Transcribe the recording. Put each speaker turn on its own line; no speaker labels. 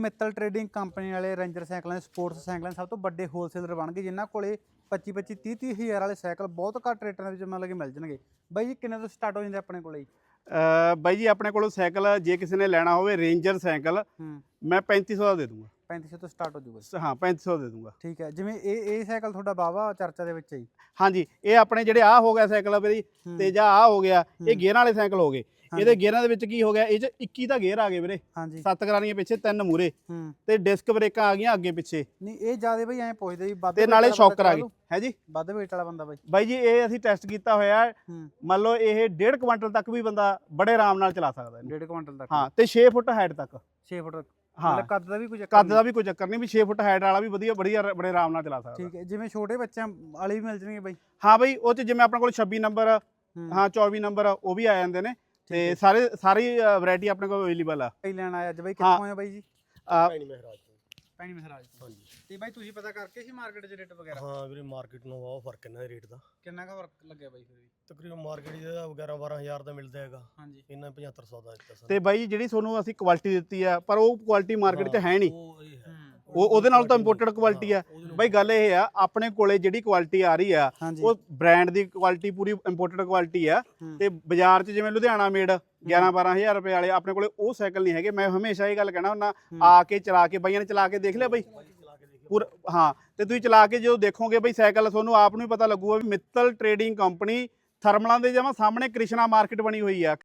Mittal trading company ਵਾਲੇ ranger ਸਾਈਕਲਾਂ ਦੇ ਸਪੋਰਟਸ ਸਾਈਕਲਾਂ ਦੇ ਸਭ ਤੋਂ ਵੱਡੇ ਹੋਲਸੇਲਰ ਬਣ ਗਏ, ਜਿਨ੍ਹਾਂ ਕੋਲੇ 25 30 ਹਜ਼ਾਰ ਵਾਲੇ ਸਾਈਕਲ ਬਹੁਤ ਘੱਟ ਰੇਟਾਂ ਦੇ ਵਿੱਚ ਮਤਲਬ ਕਿ ਮਿਲ ਜਾਣਗੇ। ਬਾਈ ਜੀ ਕਿੰਨੇ ਤੋਂ ਸਟਾਰਟ ਹੋ ਜਾਂਦੇ ਆਪਣੇ ਕੋਲੇ?
ਬਾਈ ਜੀ ਆਪਣੇ ਕੋਲੋਂ ਸਾਈਕਲ ਜੇ ਕਿਸੇ ਨੇ ਲੈਣਾ ਹੋਵੇ ਰੇਂਜਰ ਸਾਈਕਲ ਮੈਂ 3500 ਦਾ ਦੇ ਦੂੰਗਾ।
3500 ਤੋਂ ਸਟਾਰਟ ਹੋ ਜੂਗਾ?
ਹਾਂ 3500 ਦੇ ਦੂੰਗਾ।
ਠੀਕ ਹੈ। ਜਿਵੇਂ ਇਹ ਸਾਈਕਲ ਤੁਹਾਡਾ ਵਾਹਵਾ ਚਰਚਾ ਦੇ ਵਿੱਚ ਹੈ ਜੀ।
ਹਾਂਜੀ, ਇਹ ਆਪਣੇ ਜਿਹੜੇ ਆ ਹੋ ਗਿਆ ਸਾਈਕਲ ਵੀਰੇ ਤੇ ਜਾਂ ਆ ਹੋ ਗਿਆ, ਇਹ ਗੇਅਰਾਂ ਵਾਲੇ ਸਾਈਕਲ ਹੋ ਗਏ। ਇਹਦੇ ਗੇਅਰਾਂ ਦੇ ਵਿੱਚ ਕੀ ਹੋ ਗਿਆ, ਇਹ 'ਚ 21 ਦਾ ਗੇਅਰ ਆ ਗਏ ਵੀਰੇ।
ਹਾਂਜੀ,
7 ਕਰਾਰੀਆਂ ਪਿੱਛੇ 3 ਮੂਰੇ ਤੇ ਡਿਸਕ ਬ੍ਰੇਕਾਂ ਆ ਗਈਆਂ ਅੱਗੇ ਪਿੱਛੇ।
ਨਹੀਂ ਇਹ ਜਿਆਦਾ ਬਈ ਐਂ ਪੁੱਛਦੇ ਵੀ ਵੱਧ
ਤੇ ਨਾਲੇ ਸ਼ੌਕਰ ਆ ਗਏ ਹੈ ਜੀ।
ਵੱਧ weight ਵਾਲਾ ਬੰਦਾ
ਬਾਈ ਜੀ ਇਹ ਅਸੀਂ ਟੈਸਟ ਕੀਤਾ ਹੋਇਆ, ਮੰਨ ਲਓ ਇਹ 1.5 ਕੁਇੰਟਲ ਤੱਕ ਵੀ ਬੰਦਾ ਬੜੇ ਆਰਾਮ ਨਾਲ ਚਲਾ ਸਕਦਾ ਇਹਨੂੰ।
1.5 ਕੁਇੰਟਲ ਤੱਕ?
ਹਾਂ, ਤੇ 6 ਫੁੱਟ ਹਾਈਟ ਤੱਕ।
6 ਫੁੱਟ?
ਹਾਂ,
ਕੱਦ ਦਾ ਵੀ ਕੋਈ ਚੱਕਰ?
ਕੱਦ ਦਾ ਵੀ ਕੋਈ ਚੱਕਰ ਨਹੀਂ, ਵੀ 6 ਫੁੱਟ ਹਾਈਟ ਵਾਲਾ ਵੀ ਵਧੀਆ ਬੜੇ ਆਰਾਮ ਨਾਲ ਚਲਾ ਸਕਦਾ।
ਠੀਕ ਹੈ। ਜਿਵੇਂ ਛੋਟੇ ਬੱਚਿਆਂ ਵਾਲੇ ਵੀ ਮਿਲ ਜਾਣਗੇ ਬਾਈ?
ਹਾਂ ਬਾਈ, ਉਹ 'ਚ ਜਿਵੇਂ ਆਪਣੇ ਕੋਲ 26 ਨੰਬਰ, ਹਾਂ 24 ਨੰਬਰ ਉਹ ਵੀ ਆ ਜਾਂਦੇ ਨੇ ਤੇ ਸਾਰੀ ਵੈਰਾਈਟੀ ਆਪਣੇ ਕੋਲ ਅਵੇਲੇਬਲ ਆ।
ਕਈ ਲੈਣ ਆਇਆ ਅੱਜ ਬਾਈ, ਕਿੱਥੋਂ ਆਏ ਬਾਈ ਜੀ?
ਪੈਣੀ ਮਹਾਰਾਜ ਤੋਂ।
ਪੈਣੀ ਮਹਾਰਾਜ ਤੋਂ? ਹਾਂਜੀ। ਤੇ ਬਾਈ ਤੁਸੀਂ ਪਤਾ ਕਰਕੇ ਸੀ ਮਾਰਕੀਟ 'ਚ ਰੇਟ ਵਗੈਰਾ?
ਹਾਂ ਵੀਰੇ, ਮਾਰਕੀਟ ਨੂੰ ਬਹੁਤ ਫਰਕ ਇਹਨਾਂ ਦੇ ਰੇਟ ਦਾ।
ਕਿੰਨਾ ਕੁ ਫਰਕ ਲੱਗਿਆ ਬਾਈ ਫਿਰ ਵੀ?
ਤਕਰੀਬਨ ਮਾਰਕੀਟ ਦਾ 11 12000 ਦਾ ਮਿਲਦਾ ਹੈਗਾ।
ਹਾਂਜੀ।
ਇਹਨਾਂ 7500 ਦਾ ਦਿੱਤਾ
ਤੇ ਬਾਈ ਜਿਹੜੀ ਤੁਹਾਨੂੰ ਅਸੀਂ ਕੁਆਲਿਟੀ ਦਿੱਤੀ ਆ, ਪਰ ਉਹ ਕੁਆਲਿਟੀ ਮਾਰਕੀਟ 'ਚ ਹੈ ਨਹੀਂ।
ਉਹ
ਉਹਦੇ ਨਾਲ ਤਾਂ ਇੰਪੋਰਟਡ ਕੁਆਲਿਟੀ ਆ। ਬਾਈ ਗੱਲ ਇਹ ਆ, ਆਪਣੇ ਕੋਲੇ ਜਿਹੜੀ ਕੁਆਲਿਟੀ ਆ ਰਹੀ ਆ ਉਹ ਬ੍ਰਾਂਡ ਦੀ ਕੁਆਲਿਟੀ, ਪੂਰੀ ਇੰਪੋਰਟਡ ਕੁਆਲਿਟੀ ਆ। ਤੇ ਬਾਜ਼ਾਰ 'ਚ ਜਿਵੇਂ ਲੁਧਿਆਣਾ ਮੇਡ 11 12000 ਰੁਪਏ ਵਾਲੇ ਆਪਣੇ ਕੋਲੇ ਉਹ ਸਾਈਕਲ ਨਹੀਂ ਹੈਗੇ। ਮੈਂ ਹਮੇਸ਼ਾ ਇਹ ਗੱਲ ਕਹਿਣਾ ਹੁੰਦਾ, ਆ ਕੇ ਚਲਾ ਕੇ, ਬਾਈਆਂ ਨੇ ਚਲਾ ਕੇ ਦੇਖ ਲਿਆ ਬਾਈ ਪੂਰਾ? ਹਾਂ, ਤੇ ਤੁਸੀਂ ਚਲਾ ਕੇ ਜਦੋਂ ਦੇਖੋਗੇ ਬਾਈ ਸਾਈਕਲ, ਤੁਹਾਨੂੰ ਆਪ ਨੂੰ ਹੀ ਪਤਾ ਲੱਗੂਗਾ ਵੀ ਮਿੱਤਲ ਟ੍ਰੇਡਿੰਗ ਕੰਪਨੀ ਥਰਮਲਾਂ ਦੇ ਜਮਾਂ ਸਾਹਮਣੇ ਕ੍ਰਿਸ਼ਨਾ ਮਾਰਕੀਟ ਬਣੀ ਹੋਈ ਆ।